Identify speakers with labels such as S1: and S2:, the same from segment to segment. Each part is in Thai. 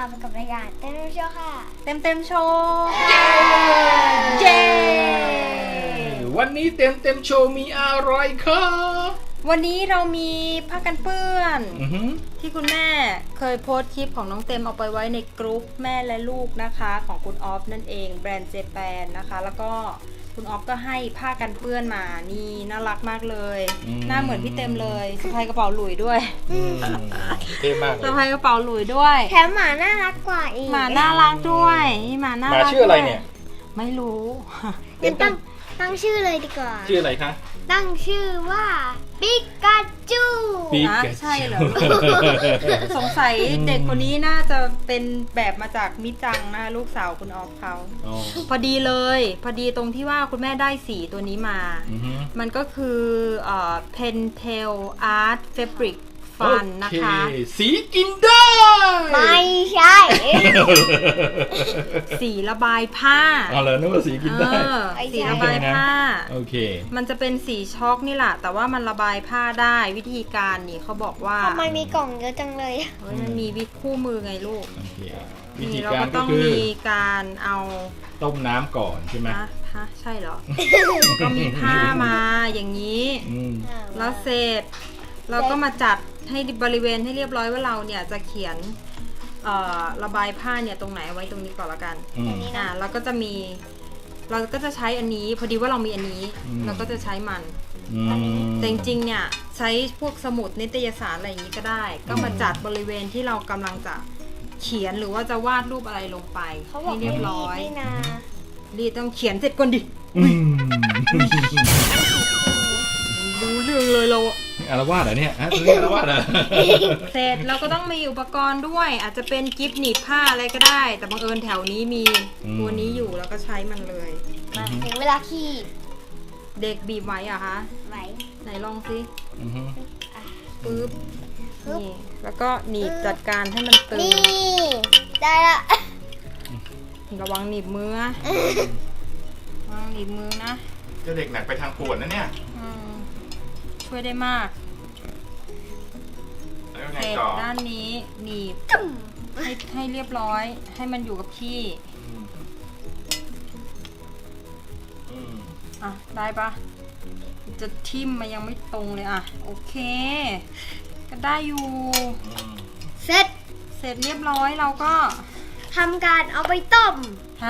S1: พบกับรายการเต็มโชว์ค่ะ
S2: เต็มโชว์เย้
S3: วันนี้เต็มโชว์มีอะไรครับ
S2: วันนี้เรามีผ้ากันเปื้อน
S3: อือ
S2: ที่คุณแม่เคยโพสต์คลิปของน้องเต็มเอาไปไว้ในกรุ๊ปแม่และลูกนะคะของคุณออฟนั่นเองแบรนด์เจแปนนะคะแล้วก็คุณออฟก็ให้ผ้ากันเปื้อนมานี่น่ารักมากเลยหน้าเหมือนพี่เต็มเลยสะพายกระเป๋าหลุยด้วย
S3: เท่มากเล
S2: สะ
S3: ย
S2: พายกระเป๋าหลุยด้วย
S1: แถมหมาน่ารักกว่าอีก
S2: หมาน่ารักด้วยนี่หมาน่า
S3: หมา
S2: รัก
S3: ชื่ออะไรเนี่ย
S2: ไม่รู้
S1: งั้นตั้งชื่อเลยดีกว่า
S3: ชื่ออะไรคะ
S1: ตั้งชื่อว่าปิกาจู
S3: ปิกาจู
S2: ใช่เหรอ สงสัยเด็กคนนี้น่าจะเป็นแบบมาจากมิจังนะลูกสาวคุณออฟเขา
S3: อ๋อ
S2: พอดีเลยพอดีตรงที่ว่าคุณแม่ได้สีตัวนี้มา
S3: อือฮึ
S2: มันก็คือPentel Art Fabric Fun นะคะ
S3: โอเสีกินได้
S1: ไม่ใช่
S2: สีระบายผ้า
S3: เอาเลยนึกว่าสีกินได้
S2: สีระบายผ้า
S3: โอเค
S2: มันจะเป็นสีช็อกนี่แหละแต่ว่ามันระบายผ้าได้วิธีการนี่เขาบอกว่า
S1: ทำไมมีกล่องเยอะจังเลย
S2: เฮ้ยมันมีวิธีคู่มือไงลูก
S3: โอเค วิ
S2: นี่
S3: ธี
S2: เรา
S3: การ
S2: ก็
S3: ก็
S2: ต้อง
S3: คือ
S2: มีการเอา
S3: ต้มน้ำก่อนใช่ไหม
S2: ฮะใช่เหรอ ก็มีผ้ามาอย่างนี้
S3: อืม
S2: แล้วเสร็จเราก็มาจัดให้บริเวณให้เรียบร้อยว่าเราเนี่ยจะเขียนระบายผ้าเนี่ยตรงไหนเอาไว้ตรงนี้ก่อนละกัน
S3: อืม
S2: เราก็จะมีเราก็จะใช้อันนี้พอดีว่าเรามีอันนี้
S3: อืม
S2: เราก็จะใช้มัน
S3: อืม
S2: แต่จริงๆเนี่ยใช้พวกสมุดนิตยสารอะไรอย่างนี้ก็ได้ ก็มาจัดบริเวณที่เรากำลังจะเขียนหรือว่าจะวาดรูปอะไรลงไป
S1: เขาบอก
S2: ให้เรียบร้อย
S1: นี่นะ
S2: รีดต้องเขียนเสร็จก่อนดิ
S3: อืม
S2: รู้เรื่องเลยเราอะ
S3: อารวาสเหรอเนี่ยฮะตัวนี้อารวาสเหรอ
S2: เสร็จเราก็ต้องมีอุปกรณ์ด้วย อาจจะเป็นกิฟต์หนีบผ้าอะไรก็ได้ แต่บังเอิญแถวนี้มีตัวนี้อยู่แล้วก็ใช้มันเลย
S1: มาถึงเวลาขี้
S2: เด็กบีบไว้อะคะ
S1: ไหว
S2: ไหนลองสิ
S3: อือฮึ
S2: ปึ๊บนี่แล้วก็หนีบจัดการให้มันตึง
S1: นี่ได้ละ
S2: ระวังหนีบมือนะระวังหนีบมือนะ
S3: เจ้าเด็กหนักไปทางปวดนะเนี่ย
S2: อืมช่วยได้มาก
S3: แล้วไง
S2: เสร็จ
S3: ต่อ
S2: ด้านนี้หนีบให้เรียบร้อย ให้มันอยู่กับที่
S3: อืม
S2: อ่ะได้ปะจะทิ่มมายังไม่ตรงเลยอ่ะโอเค ก็ได้อยู่
S3: อืม
S1: เสร็จ
S2: เสร็จเรียบร้อยเราก็
S1: ทำการเอาไปต้ม
S2: ฮะ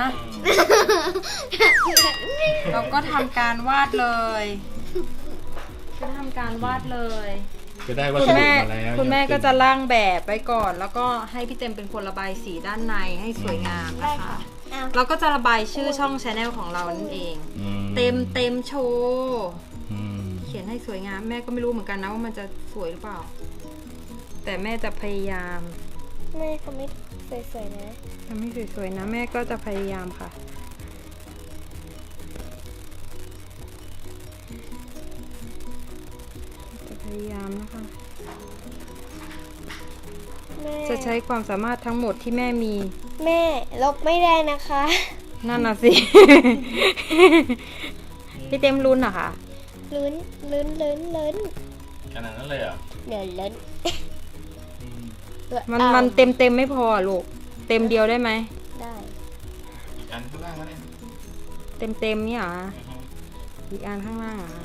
S2: เราก็ทำการวาดเลยก็ทำการวาดเลย
S3: จะได้วัส
S2: คุณ
S3: ดุ
S2: แม่
S3: มาแล้ว
S2: คุณแม่ก็จะร่างแบบไว้ก่อน แล้วก็ให้พี่เต็มเป็นคนระบายสีด้านในให้สวยงาม
S1: ได้
S2: นะคะ
S1: ค่ะเอา
S2: เราก็จะระบายชื่อช่องชาแนลของเรานั่นเอง
S3: อื
S2: เต็มโชว์
S3: อืม
S2: เขียนให้สวยงามแม่ก็ไม่รู้เหมือนกันนะว่ามันจะสวยหรือเปล่า แต่แม่จะพยายาม
S1: แม่เขาไม่สวยๆนะ
S2: ทำให้สวยๆนะแม่ก็จะพยายามค่ะจะพยายามนะคะ
S1: แม่
S2: จะใช้ความสามารถทั้งหมดที่แม่มี
S1: แม่ลบไม่ได้นะคะ
S2: นั่นน่ะสิ พี่เต็มลุ้นเหรอคะ
S1: ลุ้น
S3: ขนาดนั้นเลยเหรอ
S1: เดี๋ยวลุ้น
S3: อืม
S2: มันเต็มไม่พอลูกเต็มเดียวได้ไหม
S1: ได้
S3: อีกอันข้างล่างก็ได้
S2: เต็มนี่เหรอ
S3: อือฮึ
S2: อีกอันข้างล่างเหรอ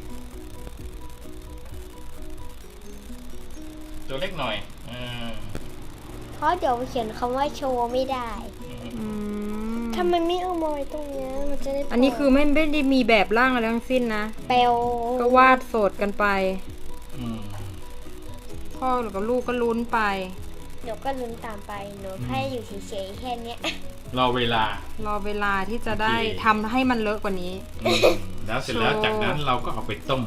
S3: ตัวเล็กหน่อยอืม
S1: เพราะเดี๋ยวเขียนคำว่าโชว์ไม่ได้
S2: อืม
S1: ทำไมไม่เอามาไว้ตรงเนี้ยมันจะได้
S2: อันนี้คือไม่ได้มีแบบร่างอะไรทั้งสิ้นนะ
S1: เปลว
S2: ก็วาดโสดกันไป
S3: อืม
S2: พ่อกับลูกก็ลุ้นไป
S1: หนูก็ลุ้นตามไปหนูแค่อยู่เฉยๆแค่เนี้ย
S3: รอเวลาร
S2: อเวลาที่จะได้
S3: โอเค
S2: ทำให้มันเลอะกว่านี้
S3: อืมแล้วเสร็จแล้วจากนั้นเราก็เอาไปต้ม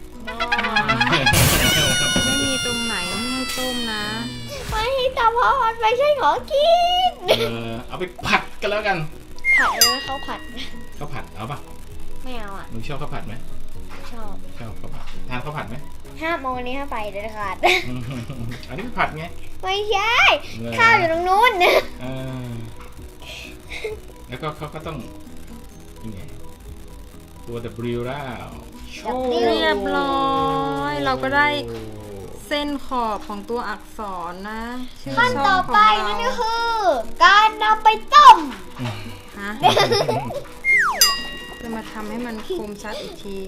S2: ไม่มีตรงไหนไม่ให้ต้มนะ
S1: ไม่แต่เพราะมันไม่ใช่ของกิน
S3: เอาไปผัดกันแล้วกัน
S1: ผัดเลยเขาผัด
S3: ข้าวผัดเอาปะ
S1: ไม่เอาอ่ะ
S3: หนูชอบข้าวผัดไหม
S1: ชอบ
S3: ชอบข้าวผัดทานข้าวผัดไหม
S1: ห้ามเอาวันนี้ห้ามไปเด็ดขาด
S3: อืมอันนี้ผัดไง
S1: ไม่ใช่
S3: เหรอ
S1: ข้าวอยู่ตรงนู้น
S3: เออแล้วก็เขาก็ต้องนี่ไงตัว W แล้ว
S2: เรียบร้อย เราก็ได้เส้นขอบของตัวอักษรนะชื่อ
S1: ขั้น
S2: ช่
S1: ต่
S2: อ
S1: อง
S2: ข
S1: ไป
S2: อง
S1: นั่น
S2: เรา
S1: ก็คือ การนำไปต้ม
S2: ฮะจะมาทำให้มันคมชัดอีกที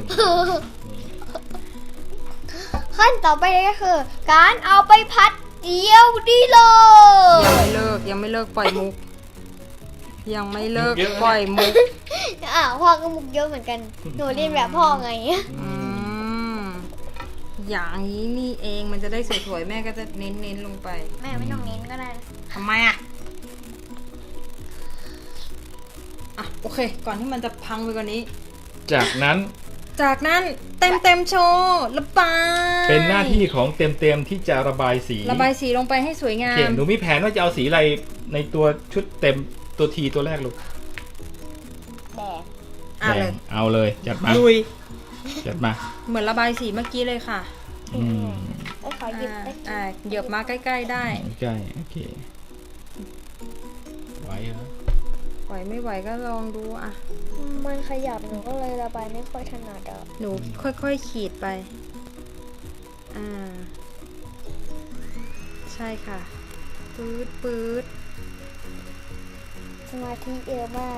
S1: ขั้นต่อไปนั่นก็คือ การเอาไปพัดเดียวดีเลย
S2: ยังไม่เลิกปล่อยมุก ยังไม่เลิก
S3: มุกเยอะ
S2: ปล่อยมุก
S1: พ่อก็มุกเยอะเหมือนกัน หนูเรียนแบบพ่อไง
S2: อืมอย่างนี้นี่เองมันจะได้สวยๆแม่ก็จะเน้นๆลงไป
S1: แม่ไม่ต้องเน้นก็ได้
S2: ทำไมอ่ะโอเค ก่อนที่มันจะพังไปกว่านี้
S3: จากนั้น
S2: จากนั้นเต็มโชว์ระบาย
S3: เป็นหน้าที่ของเต็มที่จะระบายสี
S2: ระบายสีลงไปให้สวยงา
S3: โอเค
S2: ม
S3: หนูมีแผนว่าจะเอาสีอะไรในตัวชุดเต็มตัวทีตัวแรกลูก
S1: แดง
S2: อ่ะเลย
S3: แดงเอาเลยจัดมา
S2: ลุย
S3: จัดมา
S2: เหมือนระบายสีเมื่อกี้เลยค่ะ
S3: อืม
S1: ไอ้ขอหยิบได้
S2: เหยียบมาใกล้ๆได้
S3: ใกล้โอเคไหวเหรอ
S2: ไหวไม่ไหวก็ลองดูอ่ะ
S1: มันขยับหนูก็เลยระบายไม่ค่อยถนัดอ่ะ
S2: หนูค่อยๆขีดไป ใช่ค่ะ ปื๊ด
S1: สมาธิเยอะมาก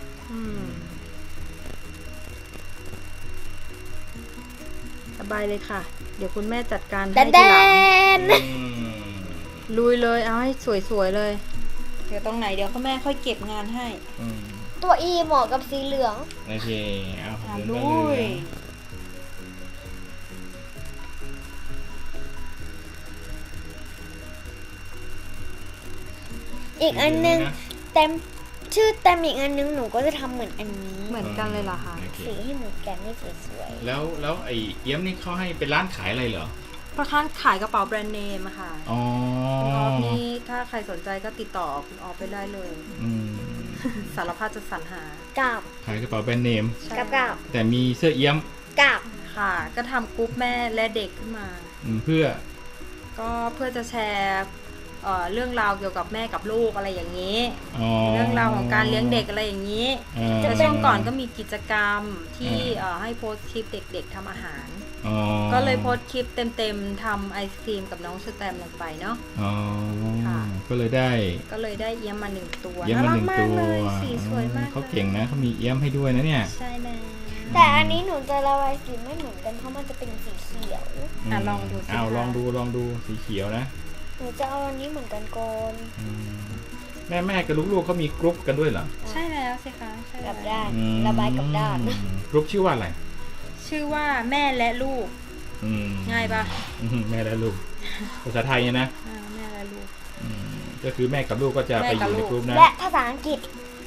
S2: ระบายเลยค่ะ เดี๋ยวคุณแม่จัดการ
S1: แด
S2: ให้
S1: น
S2: ทีหลัง ลุยเลย เอาให้สวยๆเลย เดี๋ยวตรงไหนเดี๋ยวคุณแม่ค่อยเก็บงานให้
S1: ตัวอีเหมาะกับสีเหลือง
S3: โอเคเอา
S2: อ่ะ
S3: เดิน
S2: ลุ
S3: ไปเลย ย
S1: อีกอันนึงเต็มชื่อเต็มอีกอันนึงหนูก็จะทำเหมือนอันนี้
S2: เหมือนกันเลยเหรอคะ
S3: โอเค
S1: สีให้เหมือนกันไม่สวย
S3: แล้วไอ้เอี้ยมนี่เขาให้เป็นร้านขายอะไรเหรอ
S2: เพราะข้างขายกระเป๋าแบรนด์เนมอะค่ะ
S3: อ๋อ
S2: คุณออฟนี่ถ้าใครสนใจก็ติดต่อคุณออฟไปได้เลย
S3: อืม
S2: สารพัดจะสรรหา
S1: ๆกาบ
S3: ขายกระเป๋าแบรนด์เนม
S2: ใช่
S1: กาบ
S3: แต่มีเสื้อเอี้ยม
S1: กาบ
S2: ค่ะ ก็ทำกรุ๊ปแม่และเด็กขึ้นมา
S3: เพื่อ
S2: ก็เพื่อจะแชร์เรื่องราวเกี่ยวกับแม่กับลูกอะไรอย่างนี้
S3: อ๋อ
S2: เรื่องราวของการเลี้ยงเด็กอะไรอย่างนี้ แล้วช่วงก่อนก็มีกิจกรรมที่ให้โพสต์คลิปเด็กๆทำอาหาร
S3: อ๋อ
S2: ก็เลยโพสต์คลิปเต็มๆทำไอศครีมกับน้องสแตมลงไปเนาะ
S3: อ๋อ
S2: ค่ะ
S3: ก็เลยได้
S2: เอี้ยมมา1 ตัว
S3: เอี้ยมมาหนึ่ง
S2: น่ารัก
S3: ตัว
S2: มากเลยสีสวยมาก
S3: เขาเก่งนะเขามีเอี้ยมให้ด้วยนะเนี่ย
S2: ใช่แล้ว
S1: แต่อันนี้หนูจะระบายสีไม่เหมือนกันเพราะมันจะเป็นสีเขียว
S2: ลองดูสิ
S3: เอา
S2: คะ
S3: ลองดูสีเขียวนะ
S1: หนูจะเอาอันนี้เหมือนกันก่อน
S3: แม่กับลูกๆเขามีกรุ๊ปกันด้วยเหรอ
S2: ใช่แล้วสิคะใช่
S1: ก
S2: แล้
S1: ลั
S2: ว
S1: บด้านระบายกับด้าน
S3: กรุ๊ปชื่อว่าอะไร
S2: ชื่อว่าแม่และลูก ง่ายปะ
S3: แม่และลูกภาษาไทยเนี่ยนะ
S2: แม่และลูก
S3: ก็คือแม่กับลูกก็จะไปอยู่ในกรุ๊ปนะ
S1: และภาษาอังกฤษ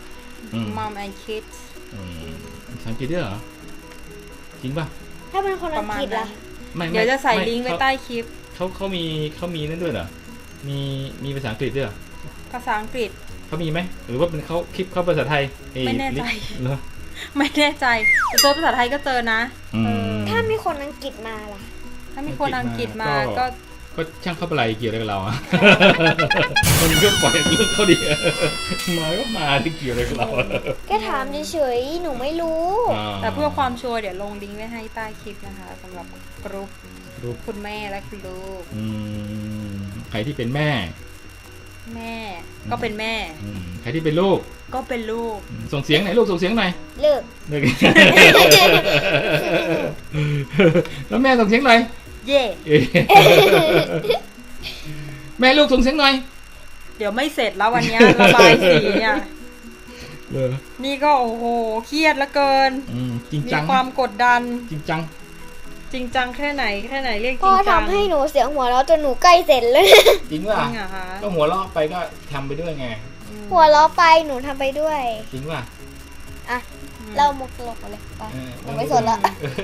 S2: Mom and Kids
S3: ภาษาอังกฤษด้วยเหรอจริงป่ะ
S1: ถ้าเป็นคนอังกฤษ
S2: ประมาณนั้
S1: ล่ะ
S2: น
S3: ไม่
S2: เดี๋ยวจะใส่
S3: ไม่
S2: ลิงก์ไว้ใต้คลิป
S3: เขามีนั่นด้วยเหรอมีภาษาอังกฤษด้วยเหรอ
S2: ภาษาอังกฤษ
S3: เขามีไหมหรือว่าเป็นเขาคลิปเขาภาษาไทย
S2: ไม่แน่ใจ
S3: เหรอ
S2: ไม่แน่ใจแต่ตัวภาษาไทยก็เจอนะ
S1: ถ้ามีคนอังกฤษมาล่ะ
S2: ถ้ามีคนอังกฤษมาก็
S3: ก็ช่างเข้าไปอะไรเกี่ยวอะไรกับเราอ่ะ มันก็ปล่อยเรื่องเขาดิมาก็มาที่เกี่ยวอะไรกับเรา
S1: แค่ถามเฉยๆ หนูไม่รู้
S2: แต่เพื่อความชัวร์เดี๋ยวลงลิงก์ไว้ให้ใต้คลิปนะคะสำหรับกรุ๊ป
S3: รูป
S2: คุณแม่และคุณลูก
S3: ใครที่เป็นแม่
S2: แม่ก็เป็นแม่
S3: ใครที่เป็นลูก
S2: ก็เป็นลูก
S3: ส่งเสียงหน่อยลูกส่งเสียงหน่อย
S1: เลิก
S3: เลิก แล้วแม่ส่งเสียงหน่อย
S2: เย่
S3: แม่ลูกส่งเสียงหน่อย
S2: เดี๋ยวไม่เสร็จแล้ววันนี้ระบายสีเนี่ย นี่ก็โอ้โหเครียดเหลือเกิน
S3: จริง
S2: มี
S3: จัง
S2: ความกดดัน
S3: จริงจัง
S2: จริงจังแค่ไหนเรียกจ
S1: พ่อ
S2: ริงจัง
S1: ทำให้หนูเสียงหัวเราะจนหนูใกล้เสร็จเลย
S3: จริง
S2: จ
S3: ป่ะ
S2: ริงเหรอคะ
S3: ก็หัวเราะไปก็ทำไปด้วยไง
S1: หัวเราะไปหนูทำไปด้วย
S3: จริงป่ะ
S1: อ่ะ เรามุกตลกเลยไปหนูไม่สนละ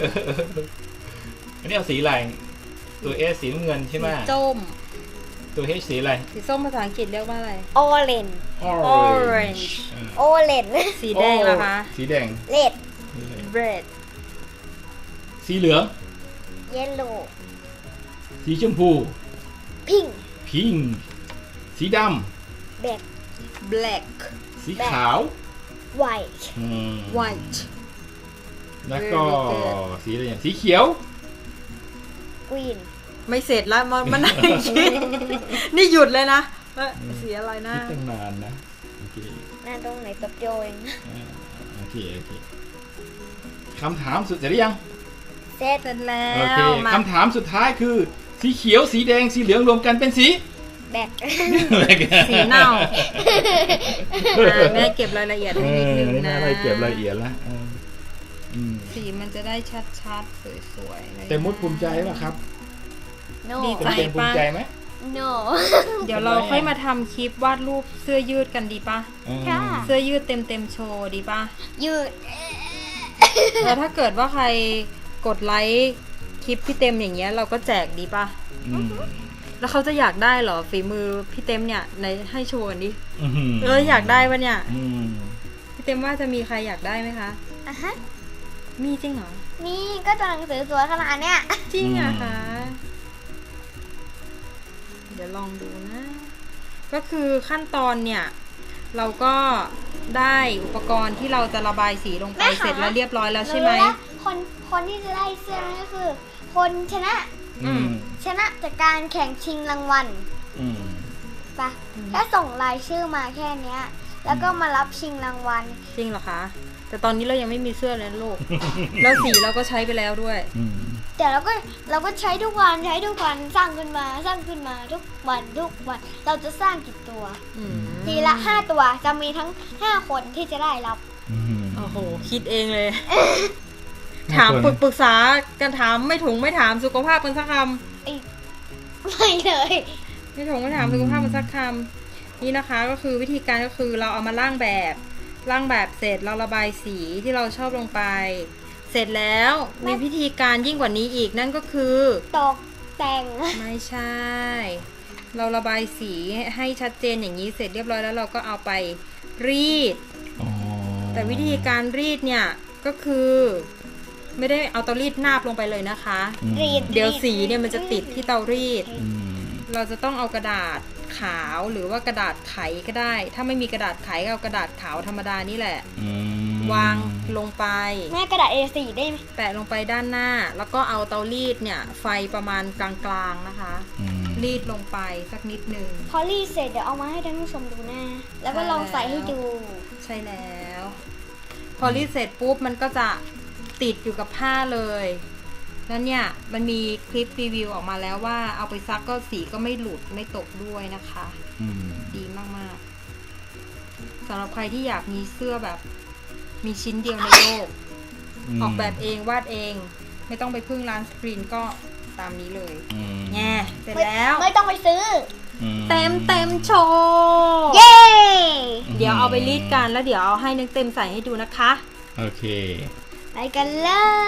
S3: อันนี้เอาสีอะไรตัวเอสีน้ำเงินใช่ไหม
S2: สีส้ม
S3: ตัวเฮสีอะไร
S2: สีส้มภาษาอังกฤษเรียกว่าอะไร
S1: โอเลน
S2: Orange
S1: โอเลน
S2: สีแดงเหรอคะ
S3: สีแดง
S1: เลด
S2: red
S3: สีเหลือง
S1: เยลโล่
S3: สีชมพู
S1: พิง
S3: พิงสีด
S1: แบล็ค
S2: black
S3: ำสีขาว
S1: ไวท์
S2: white
S3: แล้วก็
S2: Very good
S3: สีอะไรอย่างสีเขียว
S1: กรีน
S2: ไม่เสร็จแล้วมันนั่งคิดนี่หยุดเลยนะสีอะไรนะ
S3: คิดตั้งนานนะโอเค
S1: หน้าตรงไหนตับเดียวเอง
S3: โอเคคำถามสุดเสร็จหรือยัง
S1: เสร็จ
S2: เสร็จแล้
S3: โอเคว
S2: มา
S3: คำถามสุดท้ายคือ สีเขียวสีแดงสีเหลืองรวมกันเป็นสี
S1: แบก
S2: สีเน่าแม่เก็บรายละเอียดให้นิดนึง
S3: นี่
S2: นะ
S3: แม่อะไรเก็บรายละเอียดแล้ว
S2: สีมันจะได้ชัดๆสวยๆเลย
S3: เต็มมุดภูมิใจป่ะครับ
S1: โน
S2: ดี
S3: เต็มภูมิใจไหม
S1: โน
S2: เดี๋ยวเราค่อยมาทำคลิปวาดรูปเสื้อยืดกันดีปะ
S1: ค่ะ
S2: เสื้อยืดเต็มโชว์ดีปะ
S1: ยืด
S2: แล้วถ้าเกิดว่าใครกดไลค์คลิปพี่เต็มอย่างเงี้ยเราก็แจกดีปะ
S3: อืม
S2: แล้วเขาจะอยากได้เหรอฝีมือพี่เต็มเนี่ยในให้โชว์กันดิ
S3: อืม
S2: อยากได้ปะเนี่ย
S3: อืม
S2: พี่เต็มว่าจะมีใครอยากได้ไหมคะ
S1: อ่ะฮะ
S2: มีจริงเหรอ
S1: นี่ก็ตัวหนังสือสวยขนาดเนี้ย
S2: จริงอะคะเดี๋ยวลองดูนะ ก็คือขั้นตอนเนี่ยเราก็ได้อุปกรณ์ที่เราจะระบายสีลงไปเสร็จแล้วเรียบร้อยแล้วใช่ไหม
S1: รู้แล้วคนที่จะได้เสื้อนั่นก็คือ คนชนะ
S3: อืม
S1: ชนะจากการแข่งชิงรางวัล
S3: อืม
S1: ปะแค่ส่งรายชื่อมาแค่เนี้ย แล้วก็มารับชิงรางวัล
S2: จริงเหรอคะ แต่ตอนนี้เรายังไม่มีเสื้อเลยนะลูก แล้วสีเราก็ใช้ไปแล้วด้วย
S3: อืม
S1: แต่เราก็ใช้ทุกวันสร้างขึ้นมาทุกวันเราจะสร้างกี่ตัว
S2: อืม
S1: ทีละ5ตัวจะมีทั้ง5คนที่จะได้รับ
S3: อืม
S2: โอ้โห คิดเองเลย
S3: 5
S2: ถาม
S3: คน
S2: ปรึกษากันถามไม่ถุงไม่ถามสุขภาพกันสักค
S1: ไม่เลย
S2: ำไม่ถุงไม่ถามสุขภาพกันสักคำนี่นะคะก็คือวิธีการก็คือเราเอามาร่างแบบเสร็จเราระบายสีที่เราชอบลงไป เสร็จแล้วมีวิธีการยิ่งกว่านี้อีกนั่นก็คือ
S1: ตกแต่ง
S2: ไม่ใช่ เราระบายสีให้ชัดเจนอย่างนี้เสร็จเรียบร้อยแล้วเราก็เอาไปรีด
S3: อ๋อ
S2: แต่วิธีการรีดเนี่ยก็คือไม่ได้เอาเตารีดนาบลงไปเลยนะคะ
S1: รีด
S2: เดี๋ยวสีเนี่ยมันจะติดที่เตารีด
S3: อืม
S2: เราจะต้องเอากระดาษขาวหรือว่ากระดาษไขก็ได้ ถ้าไม่มีกระดาษไขก็เอากระดาษขาวธรรมดานี่แหละ
S3: อืม
S2: วางลงไป
S1: แม่กระดาษ A4 ได้ไหม
S2: แปะลงไปด้านหน้า แล้วก็เอาเตารีดเนี่ยไฟประมาณกลางๆนะคะ
S3: อืม
S2: รีดลงไปสักนิดหนึ่ง
S1: พอรีดเสร็จเดี๋ยวเอามาให้ท่านผู้ชมดูหน้าแล้วก็ลองใส่ให้ดู
S2: ใช่แล้ว พอรีดเสร็จปุ๊บมันก็จะติดอยู่กับผ้าเลยแล้วเนี่ยมันมีคลิปรีวิวออกมาแล้วว่าเอาไปซักก็สีก็ไม่หลุดไม่ตกด้วยนะคะ
S3: อืม
S2: ดีมากๆสำหรับใครที่อยากมีเสื้อแบบมีชิ้นเดียวในโลก ออกแบบเองวาดเอง ไม่ต้องไปพึ่งร้านสกรีนก็ตามนี้เลย
S3: อืม
S2: แง่เสร็จแล้ว
S1: ไม่ต้องไปซื้อ
S3: อืม
S2: เต็มโชว์
S1: เย้
S2: เดี๋ยวเอาไปรีดกันแล้วเดี๋ยวเอาให้นึกเต็มใส่ให้ดูนะคะ
S3: โอเค
S1: ไปกันเลย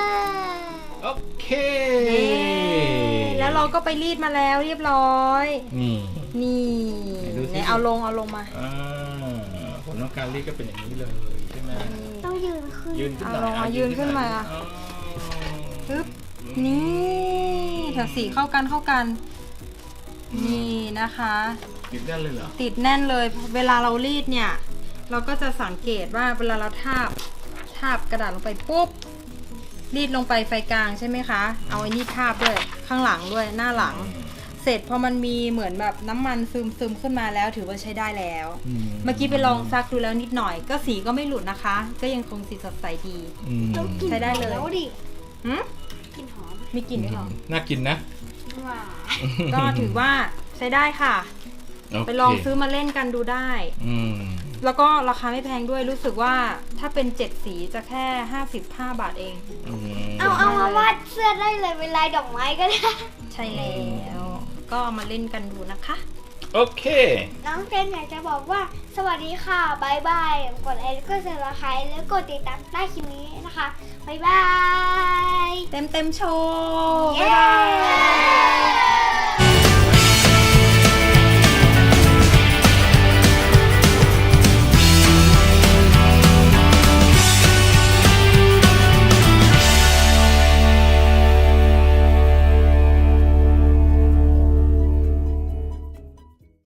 S3: โอเค
S2: แล้วเราก็ไปรีดมาแล้วเรียบร้อย
S3: นี่
S2: นี่
S3: ไหนดูสิ
S2: ไหนเอาลงมา
S3: ผลของการรีดก็เป็นอย่างนี้เลยใช่ไหม
S1: ต้องยืนขึ้น
S3: ยืนขึ้นหน่อย
S2: เอาลงมายืนขึ้นมา
S3: อ๋อ
S2: ปึ๊บนี่แถวสีเข้ากัน นี่นะคะ
S3: ติดได้เลยเหรอ
S2: ติดแน่นเลย เวลาเรารีดเนี่ย เราก็จะสังเกตว่าเวลาเราทาบกระดาษลงไปปุ๊บรีดลงไปไฟกลางใช่ไหมคะ เอาไอ้นี่ทาบด้วยข้างหลังด้วยหน้าหลัง เสร็จพอมันมีเหมือนแบบน้ำมันซึมขึ้นมาแล้วถือว่าใช้ได้แล้ว เมื่อกี้ไปลองซักดูแล้วนิดหน่อย ก็สีก็ไม่หลุดนะคะ ก็ยังคงสีสดใสดี
S3: อืม
S1: ต้องกิน
S2: ใช้ได้เลย
S1: แล้วดิ
S2: หืม
S1: กินหอม
S2: มีกลิ่นด้วยเหรอ
S3: น่ากินนะ
S1: หวาน
S2: ก็ถือว่าใช้ได้ค่ะ
S3: โเค
S2: ไปลองซื้อมาเล่นกันดูได้
S3: อืม
S2: แล้วก็ราคาไม่แพงด้วยรู้สึกว่าถ้าเป็น7สีจะแค่55 บาทเอง
S1: เอามาวาดเสื้อได้เลยเป็นลายดอกไม้ก็ได้
S2: ใช่แล้ว ก็เอามาเล่นกันดูนะคะ
S3: โอเค
S1: น้องเฟรนอยากจะบอกว่าสวัสดีค่ะบายบายกดไลค์กดซับสไครต์แล้วกดติดตามใต้คลิปนี้นะคะบายบาย
S2: เต็มโชว์
S1: เย้
S2: บ๊ายบาย